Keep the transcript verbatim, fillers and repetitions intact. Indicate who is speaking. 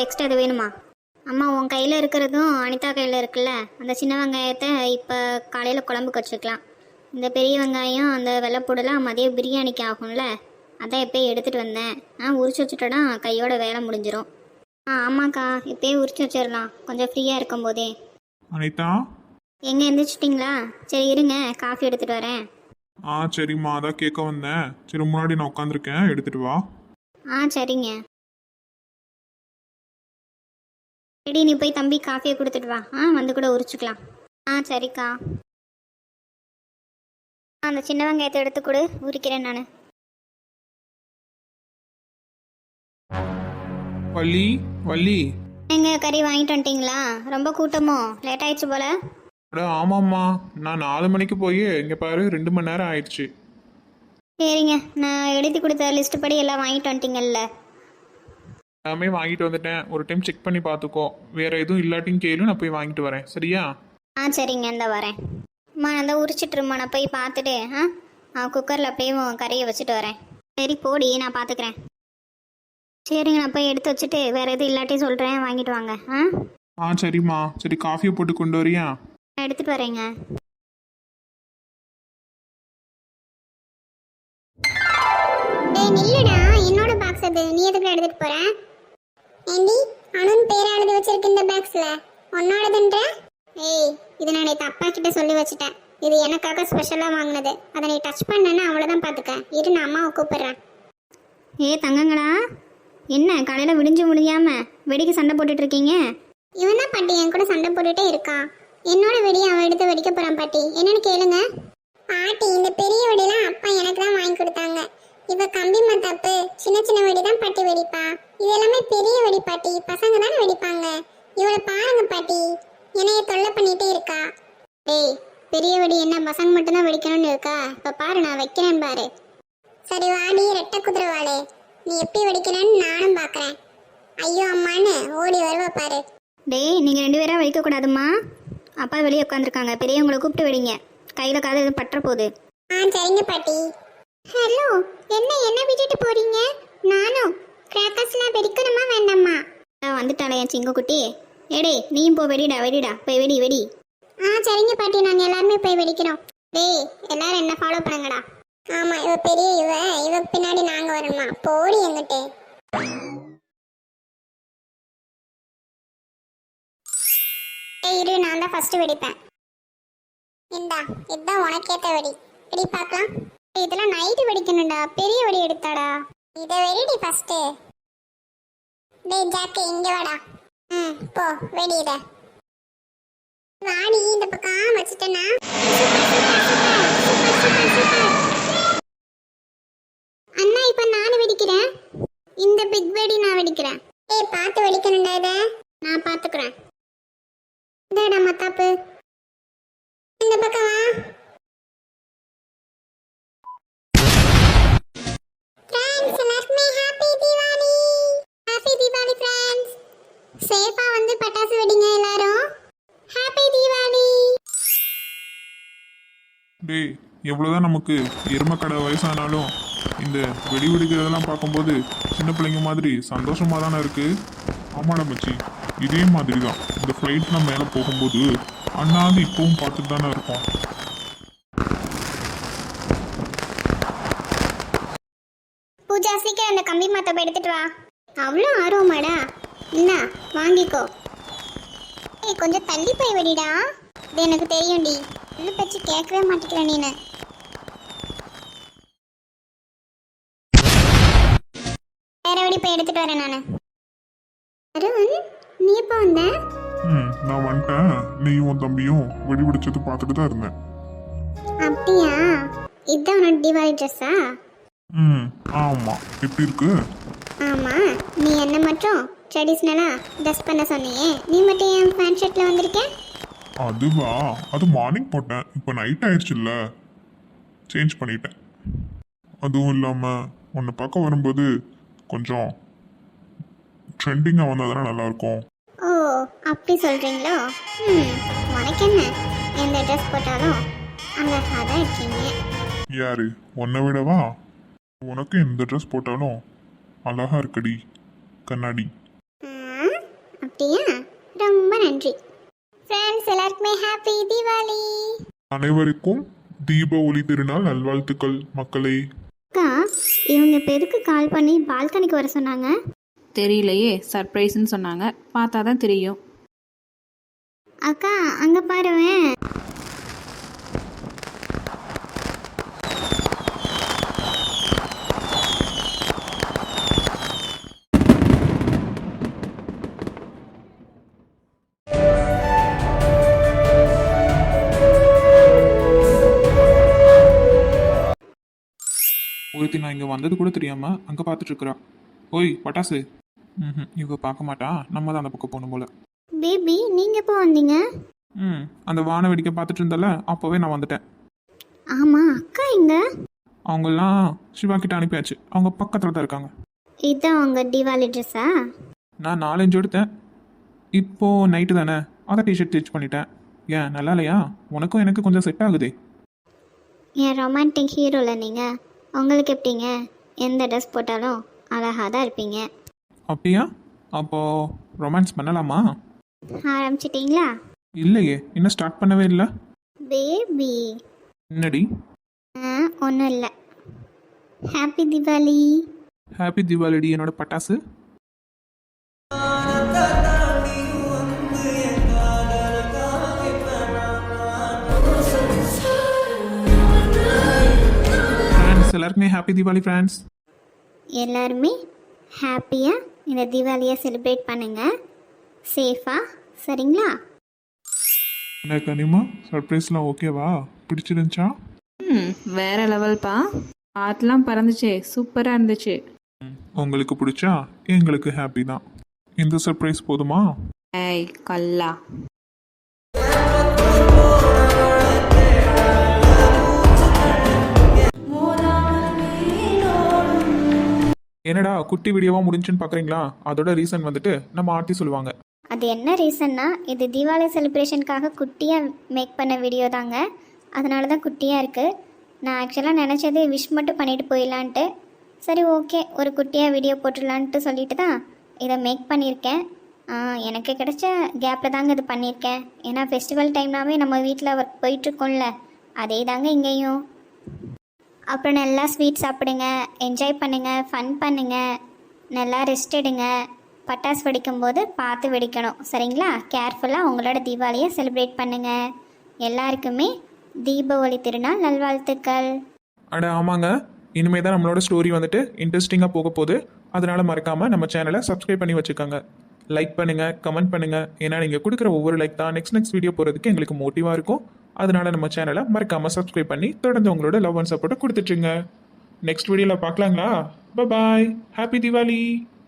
Speaker 1: Extra அது வேணுமா? அம்மா உன் கையில் இருக்கிறதும் அனிதா கையில் இருக்குல்ல, அந்த சின்ன வெங்காயத்தை இப்போ காலையில் குழம்புக்கு வச்சுக்கலாம். இந்த பெரிய வெங்காயம் அந்த வெள்ளைப்பூடெல்லாம் மதியம் பிரியாணிக்கு ஆகும்ல, அதான் எப்போயே எடுத்துகிட்டு வந்தேன். ஆ உரிச்சு வச்சுட்டோன்னா கையோட வேலை முடிஞ்சிடும். ஆ ஆமாக்கா, இப்போயே உரிச்சு வச்சிடலாம் கொஞ்சம் ஃப்ரீயாக இருக்கும் போதே.
Speaker 2: அனிதா,
Speaker 1: எங்கே எந்திரிச்சிட்டிங்களா? சரி இருங்க, காஃபி எடுத்துகிட்டு வரேன்.
Speaker 2: ஆ சரிம்மா, அதான் கேட்க வந்தேன். சரி முன்னாடி நான் உட்காந்துருக்கேன், எடுத்துட்டு வா.
Speaker 1: ஆ சரிங்க. ரெடி, நீ போய் தம்பி காஃபியை கொடுத்துட்டு வா. ஆ வந்து கூட உரிச்சுக்கலாம். ஆ சரிக்கா. அந்த சின்ன வெங்காயத்தை எடுத்து கொடு, உரிக்கிறேன் நான்.
Speaker 2: வள்ளி, வள்ளி.
Speaker 1: எங்க கறி வாங்கிட்டு வந்துட்டீங்களா? ரொம்ப கூட்டமோ? லேட் ஆயிடுச்சு போல.
Speaker 2: அட ஆமாம்மா, நான் நாலு மணிக்கு போய் இங்கே பாரு ரெண்டு மணி நேரம் ஆயிடுச்சு.
Speaker 1: சரிங்க, நான் எழுதி கொடுத்த லிஸ்ட் படி எல்லாம் வாங்கிட்டு வந்துட்டீங்கல்ல?
Speaker 2: எல்லாமே வாங்கிட்டு வந்துட்டேன். ஒரு டைம் செக் பண்ணி பார்த்துக்கோ. வேற எதுவும் இல்லாட்டின்னு கேளு, நான் போய் வாங்கிட்டு வரேன். சரியா?
Speaker 1: ஆ சரிங்க, இந்த வரேன். அம்மா நான் தான் உரிச்சிட்ருமா, நான் போய் பார்த்துட்டு ஆ குக்கரில் அப்படியே கறியை வச்சுட்டு வரேன். சரி போடி, நான் பார்த்துக்கிறேன். சரிங்க, நான் போய் எடுத்து வச்சுட்டு வேற எதுவும் இல்லாட்டி சொல்கிறேன், வாங்கிட்டு வாங்க. ஆ
Speaker 2: ஆ சரிம்மா. சரி காஃபியை போட்டு கொண்டு வரியா?
Speaker 1: நான் எடுத்துகிட்டு வரேங்க.
Speaker 3: டேய் நில்லுடா, என்னோட பாக்ஸ் அது, நீ எதுக்கு எடுத்துட்டு போற? ஏண்டி அனுன் பேரை எழுதி வச்சிருக்க இந்த பாக்ஸ்ல, உன்னோடதுன்ற? ஏய், இது நான் நேத்து அப்பா கிட்ட சொல்லி வச்சிட்டேன். இது எனக்காக ஸ்பெஷலா வாங்கினது. அதை நீ டச் பண்ணனா அவ்வளவுதான் பாத்துக்க. இரு, நான் அம்மாவை கூப்பிடுறேன்.
Speaker 1: ஏ தங்கங்களா, என்ன காலையில் விடிஞ்சு முடியாம வெடிக்க சண்டை போட்டுட்டு இருக்கீங்க?
Speaker 3: இவன் தான் பாட்டி என் கூட சண்டை போட்டுட்டே இருக்கான். என்னோட வெடியை அவன் எடுத்து வெடிக்க போறான் பாட்டி. என்னன்னு கேளுங்க. பாட்டி, இந்த பெரிய வெடிலாம் அப்பா எனக்கு தான் வாங்கி கொடுத்தாங்க. இவ கம்பி மத்தாப்பு சின்ன சின்ன வெடி தான் பாட்டி வெடிப்பா. இது எல்லாமே பெரிய வெடி பாட்டி, பசங்க தானே வெடிப்பாங்க. இவளை பாருங்க பாட்டி, என்னைய தொல்லை பண்ணிட்டே இருக்கா. டேய், பெரிய வெடி என்ன பசங்க மட்டும்தான் வெடிக்கணும்னு இருக்கா? இப்ப பாரு, நான் வைக்கிறேன் பாரு. சரி வாடி ரெட்டை குதிரைவாளே, நீ எப்படி வெடிக்கிறேன்னு நானும் பாக்குறேன். ஐயோ அம்மான்னு ஓடி வருவ பாரு.
Speaker 1: டேய், நீங்கள் ரெண்டு பேராக வெடிக்கக்கூடாதும்மா. அப்பா வெளியே உட்காந்துருக்காங்க, பெரியவங்களை கூப்பிட்டு வெடிங்க. கையில் காது எதுவும் பற்ற போகுது.
Speaker 3: ஆ சரிங்க பாட்டி. ஹலோ, என்ன என்ன விட்டுட்டு போறீங்க? நானும் கிராக்கர்ஸ்லாம் வெடிக்கணுமா வேண்டாமா?
Speaker 1: வந்துட்டாளே என் சிங்கக்குட்டி. ஏடே நீயும் போ, வெடிடா வெடிடா, போய் வெடி வெடி.
Speaker 3: ஆ சரிங்க பாட்டி, நாங்கள் எல்லாருமே போய் வெடிக்கிறோம். டேய், எல்லாரும் என்ன ஃபாலோ பண்ணுங்கடா. ஆமா, இவ பெரிய இவ இவ பின்னாடி நாங்க வரணுமா? போடி எங்கிட்டே. ஏய் இரு, நான் தான் ஃபர்ஸ்ட் வெடிப்பேன். இந்தா, இதுதான் உனக்கேத்த வெடி. வெடி பார்க்கலாம். இதெல்லாம் நைட்டு வெடிக்கணும்டா, பெரிய வெடி எடுத்தாடா. இதை வெடிடி ஃபர்ஸ்ட். டேய் ஜாக்கு, இங்க வாடா. ம் போ, வெடி இத. வாடி, இந்த பக்கம் வச்சுட்டேனா? அண்ணா, இப்ப நான் வெடிக்கிறேன். இந்த பிக் வெடி நான் வெடிக்கிறேன். ஏய் பார்த்து வெடிக்கணும்டா இத. நான் பாத்துக்கிறேன். இந்தடா மத்தாப்பு, இந்த பக்கம் வா. Friends, Lakshmi happy Deepavali. Happy Deepavali friends. சேஃபா வந்து பட்டாசு வெடிங்க எல்லாரும். ஹாப்பி தீபாவளி.
Speaker 2: டேய், எவ்வளோதான் நமக்கு எருமக்கடை வயசானாலும் இந்த வெடி வெடிக்கிறதெல்லாம் பார்க்கும்போது சின்ன பிள்ளைங்க மாதிரி சந்தோஷமாக தானே இருக்கு. ஆமாடா மச்சி, இதே மாதிரி தான் இந்த ஃப்ளைட்லாம் மேலே போகும்போது அண்ணாந்து இப்பவும் பார்த்துட்டு தானே இருக்கோம்.
Speaker 3: பூஜா, சீக்கிரம் அந்த கம்பி மத்தப்ப எடுத்துட்டு வா. அவ்வளோ ஆர்வமாடா? என்ன வாங்கிக்கோ. ஏய் கொஞ்சம் தள்ளி போய் வெடிடா. இது எனக்கு தெரியும்டி, உள்ள பச்சு கேட்கவே மாட்டேங்கிற நீனு. வேற வெடி போய் எடுத்துட்டு வரேன் நானு. அருண், நீ எப்போ வந்த?
Speaker 2: ம் நான் வந்துட்டேன். நீயும் உன் தம்பியும் வெடி வெடிச்சது பார்த்துட்டு தான் இருந்தேன்.
Speaker 3: அப்படியா? இதுதான் உன்னோட தீபாவளி ட்ரெஸ்ஸா?
Speaker 2: ம் ஆமாம். எப்படி இருக்கு?
Speaker 3: ஆமா, நீ என்ன மட்டும் ட்ரெடிஷ்னலா ட்ரெஸ் பண்ண சொன்னியே, நீ மட்டும் என் பேண்ட் ஷர்ட்ல வந்திருக்க?
Speaker 2: அதுவா, அது மார்னிங் போட்டேன். இப்போ நைட் ஆயிடுச்சுல்ல, சேஞ்ச் பண்ணிட்டேன். அதுவும் இல்லாமல் உன்னை பார்க்க வரும்போது கொஞ்சம் ட்ரெண்டிங்காக வந்தால் தானே நல்லாயிருக்கும்.
Speaker 3: ஓ அப்படி சொல்றீங்களோ? ம் உனக்கு என்ன, எந்த ட்ரெஸ் போட்டாலும் அழகாக தான் இருக்கீங்க.
Speaker 2: யாரு உன்னை விடவா? உனக்கு எந்த ட்ரெஸ் போட்டாலும் அழகா இருக்கடி கண்ணாடி.
Speaker 3: ம், பாராட்டிட்டியா? ரொம்ப நன்றி. ஃப்ரெண்ட்ஸ் எல்லாருக்குமே ஹாப்பி தீபாவளி.
Speaker 2: அனைவருக்கும் தீப ஒளி திருநாள் நல்வாழ்த்துக்கள் மக்களே.
Speaker 1: அக்கா இவங்க இப்போ எதுக்கு கால் பண்ணி பால்கனிக்கு வர சொன்னாங்க?
Speaker 4: தெரியலையே, சர்ப்ரைஸ்ன்னு சொன்னாங்க, பார்த்தா தான் தெரியும்.
Speaker 1: அக்கா அங்கே பாருவேன்.
Speaker 2: ஒருத்தி நான் இங்கே வந்தது கூட தெரியாமல் அங்கே பார்த்துட்டு இருக்கிறா. ஓய் பட்டாசு. ம் இவ பார்க்க மாட்டா, நம்ம தான் அந்த பக்கம் போகணும் போல.
Speaker 1: பேபி நீங்கள் எப்போ வந்தீங்க?
Speaker 2: ம் அந்த வான வேடிக்கை பார்த்துட்டு இருந்தல, அப்போவே நான் வந்துட்டேன்.
Speaker 1: ஆமாம் அக்கா இங்க.
Speaker 2: அவங்கெல்லாம் சிவா கிட்ட அனுப்பியாச்சு, அவங்க பக்கத்தில் தான் இருக்காங்க.
Speaker 1: இதுதான் உங்கள் தீபாவளி ட்ரெஸ்ஸா?
Speaker 2: நான் நாலஞ்சு எடுத்தேன், இப்போது நைட்டு தானே அதை டிஷர்ட் ஸ்டிச் பண்ணிட்டேன். ஏன் நல்லா இல்லையா? உனக்கும் எனக்கு கொஞ்சம் செட் ஆகுதே.
Speaker 1: என் ரொமான்டிக் ஹீரோவில் நீங்கள். உங்களுக்கு எப்படிங்க? எந்த ட்ரெஸ் போட்டாலும் அழகாக தான் இருப்பீங்க.
Speaker 2: அப்படியா? அப்போது ரொமான்ஸ் பண்ணலாமா?
Speaker 1: ஆரம்பிச்சிட்டிங்களா?
Speaker 2: இல்லையே, இன்னும் ஸ்டார்ட் பண்ணவே இல்லை.
Speaker 1: பேபி
Speaker 2: என்னடி?
Speaker 1: ஆ ஒன்றும் இல்லை. ஹாப்பி தீபாவளி.
Speaker 2: ஹாப்பி தீபாவளிடி என்னோட பட்டாசு. ஃப்ரெண்ட்ஸ் எல்லாருக்குமே ஹாப்பி தீபாவளி ஃப்ரெண்ட்ஸ்.
Speaker 1: எல்லாருமே ஹாப்பியாக இந்த தீபாவளியை செலிப்ரேட் பண்ணுங்கள், சேஃபாக. சரிங்களா?
Speaker 2: என்ன கனிமா, சர்ப்ரைஸ்லாம் ஓகேவா? பிடிச்சிருந்துச்சா?
Speaker 4: ம் வேற லெவல்ப்பா. ஆத்தெலாம் பறந்துச்சே, சூப்பராக இருந்துச்சு.
Speaker 2: உங்களுக்கு பிடிச்சா எங்களுக்கு ஹாப்பி தான். இந்த சர்ப்ரைஸ் போதுமா?
Speaker 4: ஏய் கல்லா.
Speaker 2: என்னடா குட்டி வீடியோவா முடிஞ்சுன்னு பார்க்குறீங்களா? அதோட ரீசன் வந்துட்டு நம்ம ஆர்த்தி சொல்லுவாங்க.
Speaker 1: அது என்ன ரீசன்னா, இது தீபாவளி செலிப்ரேஷனுக்காக குட்டியாக மேக் பண்ண வீடியோ தாங்க. அதனால தான் குட்டியாக இருக்குது. நான் ஆக்சுவலாக நினச்சது விஷ் மட்டும் பண்ணிட்டு போயிடலான்ட்டு. சரி ஓகே, ஒரு குட்டியாக வீடியோ போட்டுடலான்ட்டு சொல்லிட்டு தான் இதை மேக் பண்ணியிருக்கேன். எனக்கு கிடைச்ச கேப்பில் தாங்க இது பண்ணியிருக்கேன். ஏன்னா ஃபெஸ்டிவல் டைம்னாவே நம்ம வீட்டில் ஒர்க் போயிட்டுருக்கோம்ல, அதே தாங்க இங்கேயும். அப்புறம் நல்லா ஸ்வீட் சாப்பிடுங்க, என்ஜாய் பண்ணுங்கள், ஃபன் பண்ணுங்கள், நல்லா ரெஸ்ட் எடுங்க. பட்டாசு வெடிக்கும்போது பார்த்து வெடிக்கணும், சரிங்களா? கேர்ஃபுல்லாக உங்களோட தீபாவளியை செலிப்ரேட் பண்ணுங்கள். எல்லாருக்குமே தீப ஒளி திருநாள் நல்வாழ்த்துக்கள்.
Speaker 2: அட ஆமாங்க, இனிமே தான் நம்மளோட ஸ்டோரி வந்துட்டு இன்ட்ரெஸ்டிங்காக போக போகுது. அதனால மறக்காமல் நம்ம சேனலை சப்ஸ்கிரைப் பண்ணி வச்சுக்கோங்க. லைக் பண்ணுங்கள், கமெண்ட் பண்ணுங்கள். ஏன்னா நீங்கள் கொடுக்குற ஒவ்வொரு லைக் தான் நெக்ஸ்ட் நெக்ஸ்ட் வீடியோ போகிறதுக்கு எங்களுக்கு மோட்டிவாக இருக்கும். அதனால நம்ம சேனலை மறக்காமல் சப்ஸ்கிரைப் பண்ணி தொடர்ந்து உங்களோட லவ் அண்ட் சப்போர்ட்டை கொடுத்துட்ருங்க. நெக்ஸ்ட் வீடியோவில் பார்க்கலாங்களா? பாய், ஹாப்பி தீபாவளி.